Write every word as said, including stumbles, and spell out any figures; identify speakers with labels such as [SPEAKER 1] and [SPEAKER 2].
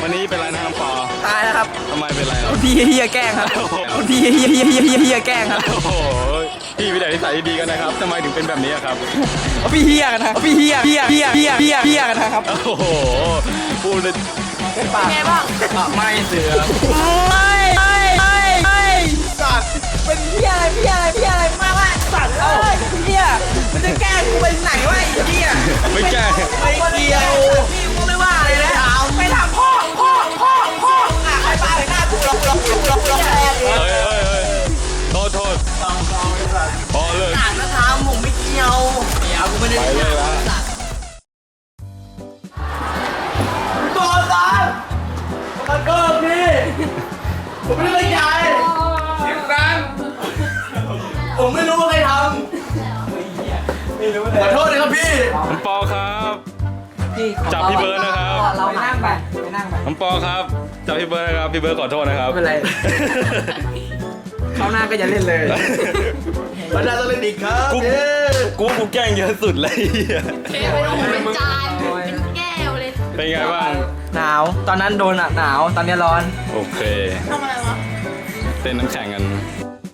[SPEAKER 1] วันนี้เป็นไรนะครับปอ
[SPEAKER 2] ตายแล้วครับ
[SPEAKER 1] ทำไมเป็นไรครับ
[SPEAKER 2] พี่เฮียแกล้งครับพี่เฮียเฮียเฮียเฮียเฮียแกล้งครับ
[SPEAKER 1] โอ้โหพี่วิทยานิสัยดีกันนะครับทำไมถึงเป็นแบบนี้ครับ
[SPEAKER 2] พี่เฮียกันนะพี่เฮียเฮียเฮียเฮียเฮียเฮียกันนะครับ
[SPEAKER 1] โอ้โหพูดเลย
[SPEAKER 2] เป็นไงบ้าง
[SPEAKER 1] ไม่เสือ
[SPEAKER 2] ไม่ไม่ไม่ไม่สัตว์เป็นเฮียอะไรเฮียอะไรเฮียอะไรมาว่าสัตว์เอ้ยเฮียมันจะแกล้งกูไปไหนวะไอ้เฮีย
[SPEAKER 1] ไม่แกล้ง
[SPEAKER 2] ไม่เกี่ยวพี่กูไม่ว่าเลยนะไปทำพ่อพ่อพ่อพ่ออ่ะใครบ้าไปหน้ากูลองลองลองลองลองแรงเลย
[SPEAKER 1] เฮ้ยเฮ้ยเฮ้ยโทษโทษพอเลย
[SPEAKER 2] ต่างนะทำผมไม่เกี่ยวเกี่ยวกูไม่ได้ไปเลยละตัวตามันก็พี่ผมไม่ได้ตั้งใจเสียงดังผมไม่รู้ว่าใครทำขอโทษนะครับพี่
[SPEAKER 1] น้องปอครับจับพี่เบิร์ดนะครับ
[SPEAKER 2] เรานั่งไปไปนั่งไป
[SPEAKER 1] น้องปอครับจับพี่เบิร์ดนะครับพี่เบิร์ดขอโทษนะครับ
[SPEAKER 2] ไม่เป็นไรเขาหน้าก็จะเล่นเลย
[SPEAKER 3] มาได้ต้องเล่นอีกครับ
[SPEAKER 1] กูกูกูแกล้งเยอะสุดเลย
[SPEAKER 4] เทไปลงเป็นจานเป็นแก้วเลย
[SPEAKER 1] เป็นไงบ้าง
[SPEAKER 2] หนาวตอนนั้นโดนอ่ะหนาวตอนนี้ร้อน
[SPEAKER 1] โอเค
[SPEAKER 4] ทำอะไรวะ
[SPEAKER 1] เต้นน้ำแข็งกัน